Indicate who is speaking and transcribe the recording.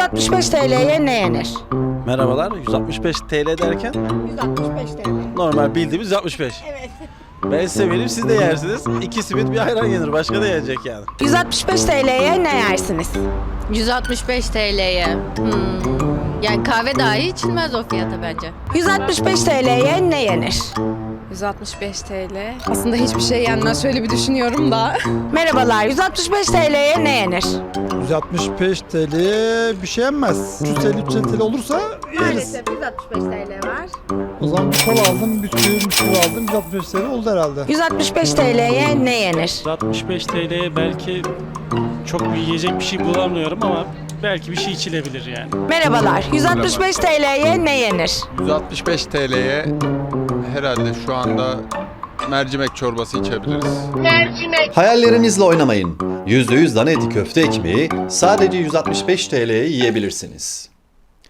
Speaker 1: 165 TL'ye ne yenir?
Speaker 2: Merhabalar, 165 TL derken
Speaker 1: 165 TL.
Speaker 2: normal bildiğimiz 165.
Speaker 1: Evet.
Speaker 2: Ben size vereyim, siz de yersiniz. 2 simit bir ayran yenir, başka da yenecek yani.
Speaker 1: 165 TL'ye ne yersiniz?
Speaker 3: 165 TL'ye. Yani kahve dahi içilmez o fiyata bence.
Speaker 1: 165 TL'ye ne yenir?
Speaker 4: 165 TL. Aslında hiçbir şey yenmez. Şöyle bir düşünüyorum da.
Speaker 1: Merhabalar, 165 TL'ye ne yenir?
Speaker 5: 165 TL'ye bir şey yenmez. 350 TL olursa yeriz.
Speaker 1: 165 TL var.
Speaker 5: O zaman bir kola aldım, bisküvi aldım. 165 TL oldu herhalde.
Speaker 1: 165 TL'ye ne yenir?
Speaker 6: 165 TL'ye belki çok bir yiyecek bir şey bulamıyorum ama belki bir şey içilebilir yani.
Speaker 1: Merhabalar, 165 TL'ye ne yenir?
Speaker 7: 165 TL'ye herhalde şu anda mercimek çorbası içebiliriz.
Speaker 8: Hayallerinizle oynamayın. %100 dana eti köfte ekmeği sadece 165 TL'ye yiyebilirsiniz.